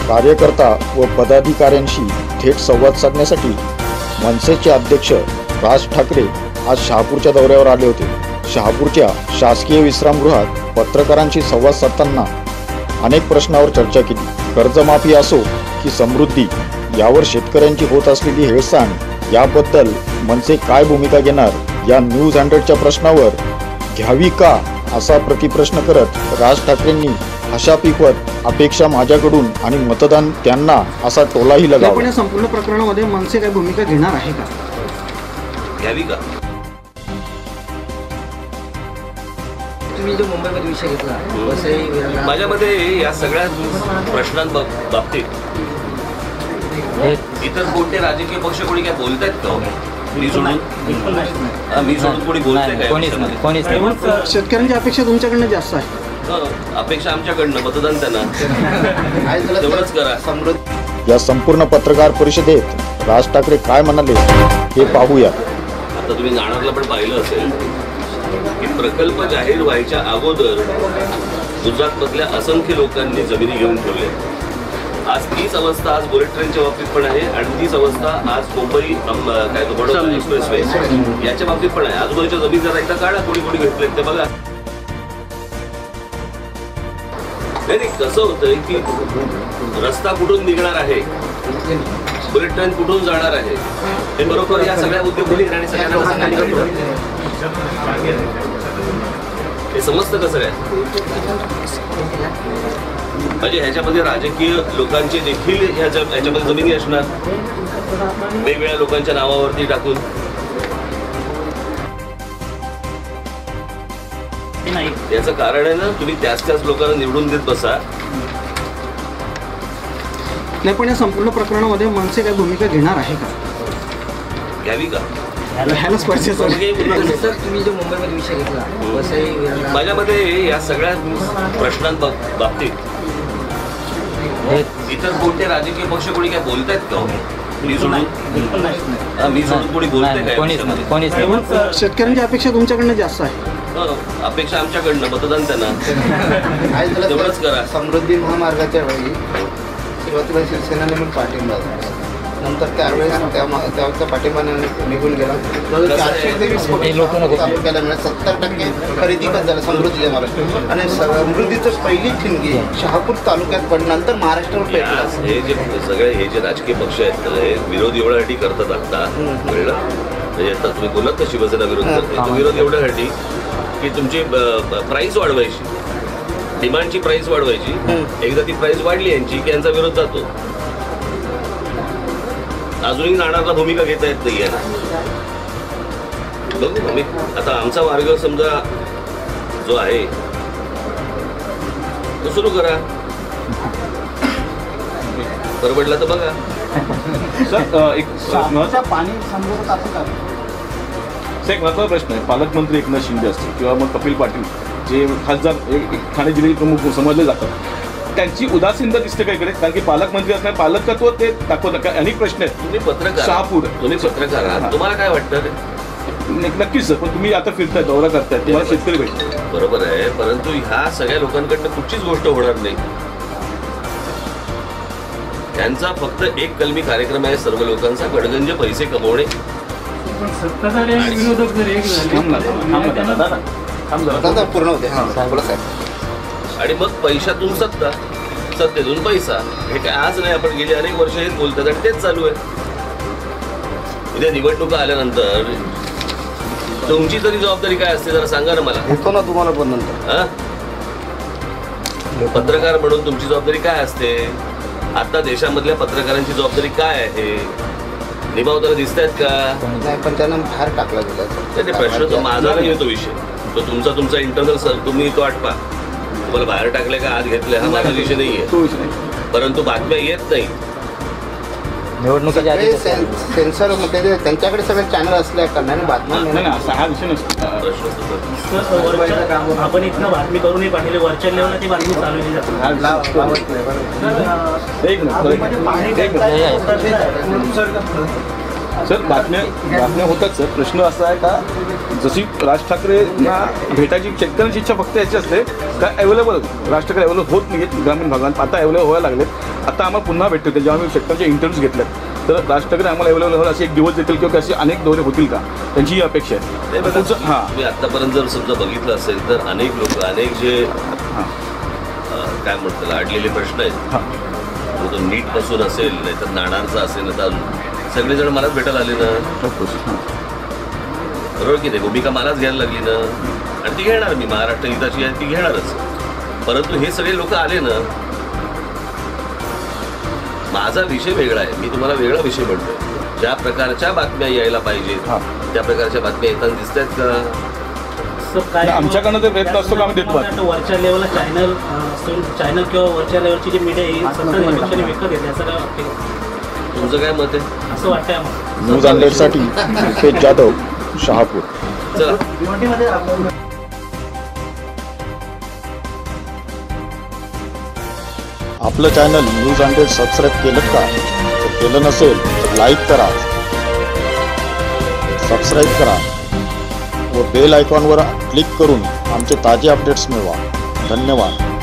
कार्यकर्ता व पदाधिकाऱ्यांशी थेट संवाद साधण्यासाठी मनसेचे अध्यक्ष राज ठाकरे आज शहापूरच्या दौऱ्यावर आले होते। शहापूरच्या शासकीय विश्रामगृहात पत्रकारांशी संवाद साधताना अनेक प्रश्नावर चर्चा केली। कर्जमाफी असो की समृद्धी, यावर शेतकऱ्यांची होत असलेली हेळसांड याबद्दल मनसे काय भूमिका घेणार, या न्यूज 100च्या प्रश्नावर घ्यावी का असा प्रतिप्रश्न करत राज ठाकरेंनी हशा पिकवत अपेक्षा माझ्याकडून आणि मतदान त्यांना असा टोलाही लगावला। पण या संपूर्ण प्रकरणामध्ये मनसे काय भूमिका घेणार आहे का, घ्यावी का? तुम्ही जो मुंबईमध्ये विषय घेतला माझ्या मते या सगळ्या प्रश्नांबाबतीत इतर कोणते राजकीय पक्ष कोणी काय बोलतायत का? मी सोडून कोणी बोलतंय का? शेतकऱ्यांची अपेक्षा तुमच्याकडनं जास्त आहे। अपेक्षा आमच्याकडनं, मतदान त्यांना तेवढंच करा। या संपूर्ण पत्रकार परिषदेत राज ठाकरे काय म्हणाले हे पाहूया। आता तुम्ही नाणारला पण पाहिलं असेल की प्रकल्प जाहीर व्हायच्या अगोदर गुजरातमधल्या असंख्य लोकांनी जमिनी घेऊन ठेवल्या। आज तीच अवस्था आज बुलेट ट्रेनच्या बाबतीत पण आहे आणि तीच अवस्था आज मुंबई काय बडोदा एक्सप्रेसवे याच्या बाबतीत पण आहे। आजूबाजूच्या जमीन जरा एकदा काढा, कोणी कोणी घेतलेत ते बघा। नाही कसं होतंय की रस्ता कुठून निघणार आहे, बुलेट ट्रेन कुठून जाणार आहे, हे बरोबर या सगळ्या उद्योगपती आणि सगळ्यांना हे समजतं कसं काय? म्हणजे ह्याच्यामध्ये राजकीय लोकांचे देखील ह्याच्यामध्ये जमिनी असणार, वेगवेगळ्या लोकांच्या नावावरती टाकून। याचं कारण आहे ना, तुम्ही त्याच लोकांना निवडून देत बसा। नाही, पण या संपूर्ण प्रकरणामध्ये मनसे काय भूमिका घेणार आहे का, घ्यावी का? तुम्ही जो मुंबईमध्ये विषय घेतला माझ्या मते या सगळ्या प्रश्नांबाबतीत इतर कोणते राजकीय पक्ष कोणी काय बोलतायत का? मी सोडून कोणी बोलतंय का? शेतकऱ्यांची अपेक्षा तुमच्याकडनं जास्त आहे। अपेक्षा आमच्याकडनं, मतदान त्यांना तेवढंच करा। समृद्धी महामार्गाच्या वेळी सुरुवातीला शिवसेनेने पण पाठिंबा दिला, नंतर त्यावेळेस त्याचा पाठिंबा निघून गेला। 423 कोटी तालुक्याला मिळाले, 70% खरेदी पण झालं समृद्धीच्या मार्गात आणि समृद्धीचं पहिली ठिणगी शहापूर तालुक्यात पण नंतर महाराष्ट्रावर पेटला। हे जे सगळे हे जे राजकीय पक्ष आहेत हे विरोध एवढ्यासाठी करतात आता कळलं। म्हणजे आता तुम्ही बोलत ना शिवसेना विरोध करते, तो विरोध एवढ्यासाठी की तुमची प्राईस वाढवायची, डिमांडची प्राईस वाढवायची। एकदा ती प्राईस वाढली यांची की यांचा विरोध जातो। अजूनही नाणारला भूमिका घेता येत नाही ना। बघू आम्ही आता आमचा मार्ग समजा जो आहे तो सुरू करा, परवडला तर बघा। एक महत्त्वाचा प्रश्न आहे, पालकमंत्री एकनाथ शिंदे असतील किंवा मग कपिल पाटील जे खासदार ठाणे जिल्ह्याचे प्रमुख समजले जातात, त्यांची उदासीनता दिसते का इकडे? कारण की पालकमंत्री असणार, पालकत्व ते दाखवतात। अनेक प्रश्न आहेत। तुम्ही पत्रकार, शहापूर तुम्ही पत्रकार आहात, तुम्हाला काय वाटतं? नक्कीच सर, पण तुम्ही आता फिरताय, दौरा करताय, तुम्हाला शेतकरी भेटतात, बरोबर आहे, परंतु ह्या सगळ्या लोकांकडनं कुठचीच गोष्ट होणार नाही। त्यांचा फक्त एक कलमी कार्यक्रम आहे, सर्व लोकांचा गडगंज पैसे कमवणे। पूर्ण होते आणि मग पैशातून सत्ता, सत्तेतून पैसा, हे काय आज नाही, आपण गेली अनेक वर्ष हेच बोलतात आणि तेच चालू आहे। उद्या निवडणुका आल्यानंतर तुमची तरी जबाबदारी काय असते जरा सांगा ना मला। येतो ना तुम्हाला पण नंतर पत्रकार म्हणून तुमची जबाबदारी काय असते? आता देशामधल्या पत्रकारांची जबाबदारी काय आहे? निभावताना दिसत आहेत का? नाही, पण त्यांना बाहेर टाकला गेला। प्रश्न तो माझा नाही आहे, तो विषय तो तुमचा इंटरनल तुम्ही तो आटपा। तुम्हाला बाहेर टाकले का आत घेतले हा माझा विषय नाही आहे, परंतु बातम्या येत नाही। निवडणुकीच्या आधी सेन्सर त्यांच्याकडे सगळे चॅनल असल्या कारणाने बातम्या हा विषय नसतो। आपण इथनं बातमी करूनही पाठवले, वरच्या लेवलला ती बातमी चालवली जाते। सर बातम्या होतात सर, प्रश्न असा आहे का जशी राज ठाकरेंना भेटायची शेतकऱ्यांची इच्छा फक्त याची असते का अवेलेबल राज ठाकरे अवेलेबल होत नाहीत ग्रामीण भागात, आता अवेलेबल व्हायला लागलेत आता आम्हाला पुन्हा भेटतील जेव्हा आम्ही शेतकऱ्यांचे इंटरव्ह्यूज घेतल्यात तर राज ठाकरे आम्हाला अवेलेबल होईल असे एक दिवस देतील किंवा असे अनेक दौरे होतील का, त्यांची ही अपेक्षा आहे. हां तुम्ही आतापर्यंत जर समजा बघितलं असेल तर अनेक लोक अनेक जे हां काय म्हणतात अडलेले प्रश्न आहेत, हां मग तो नीटपासून असेल नाही तर नाणारचा असेल नाही तर सगळेजण मलाच भेटायला आले ना, बरोबर की नाही. भूमिका मलाच घ्यायला लागली ना, आणि ती घेणार मी महाराष्ट्र हिताची आहे ती घेणारच. परंतु हे सगळे लोक आले ना, माझा विषय वेगळा आहे, मी तुम्हाला वेगळा विषय म्हणतोय. ज्या प्रकारच्या बातम्या यायला पाहिजेत त्या प्रकारच्या बातम्या येताना दिसत आहेत का? काय आमच्याकडनं ते प्रयत्न असतो का आम्ही देतो. वरच्या लेवलला चॅनल किंवा वरच्या लेवलची जी मीडिया ही सत्ता निरीक्षणे विकत घेते असं काय वाटतं? तुमचं काय मत आहे? असं वाटतंय आम्हाला. न्यूज हंड्रेडसाठी रुपेश जाधव, शहापूर. चला. आपलं चॅनल न्यूज हंड्रेड सबस्क्राईब केलं का? जर केलं नसेल तर लाईक करा, सबस्क्राईब करा व बेल आयकॉनवर क्लिक करून आमचे ताजे अपडेट्स मिळवा. धन्यवाद.